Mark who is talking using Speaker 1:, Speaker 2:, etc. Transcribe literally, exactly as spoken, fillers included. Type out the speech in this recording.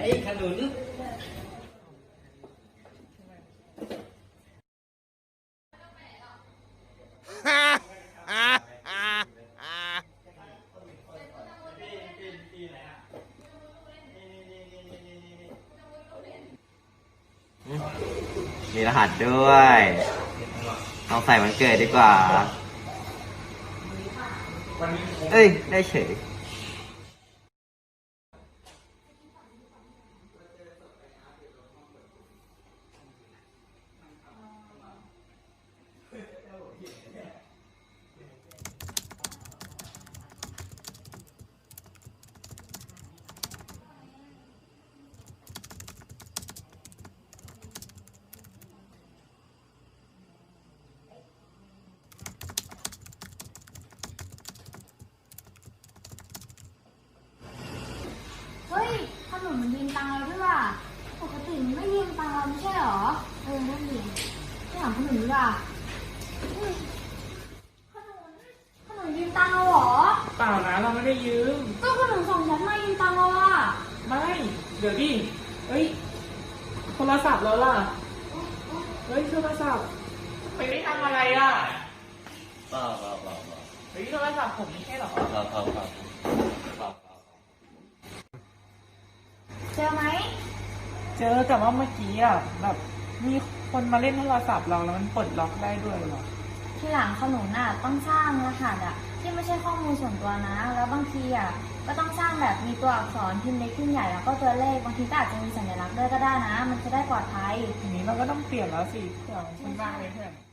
Speaker 1: อ้ขนุน
Speaker 2: มีรหัสด้วยเอาใส่วันเกิดดีกว่าเอ้ย ได้เฉย
Speaker 3: เฮ้ยขนมมันยืมตังค์เราด้วยว่ะปกติมันไม่ยืมตังค์เราไม่ใช่หรอเออนั่นดิไปถามขนมดีกว่าเฮ้ยขนมขนมยืมตังค์เราเหรอ
Speaker 4: เปล่านะเราไม่ได้ยืม
Speaker 3: ก็ขนมส่งฉันมายืมตังค์เราอ่ะ
Speaker 4: ไม่เดี๋ยวดิเฮ้ยโทรศัพท์เราล่ะเฮ้ยโทรศัพท์ไปได้ทำอะไรอ่ะ
Speaker 1: เปล่าเปล่าเปล่าเปล่า
Speaker 4: เฮ้ยโทรศัพท์ผมไม่ใช่หรอ
Speaker 1: เปล่าเปล่าเปล่าเปล่า
Speaker 3: เจอไหม
Speaker 4: เจอแต่ว่าเมื่อกี้อ่ะแบบมีคนมาเล่นโทรศัพท์เราแล้วมันปลดล็อกได้ด้วยเหรอ
Speaker 3: ทีหลังขนมน่ะต้องสร้างรหัสอ่ะที่ไม่ใช่ข้อมูลส่วนตัวนะแล้วบางทีอ่ะก็ต้องสร้างแบบมีตัวอักษรพิมพ์เล็กพิมพ์ใหญ่แล้วก็ตัวเลขบางทีก็อาจจะมีสัญลักษณ์ด้วยก็ได้นะมันจะได้ปลอดภัย
Speaker 4: ทีนี้เราก็ต้องเปลี่ยนแล้วสิเผื่อมันบ้างเลยเพื่อน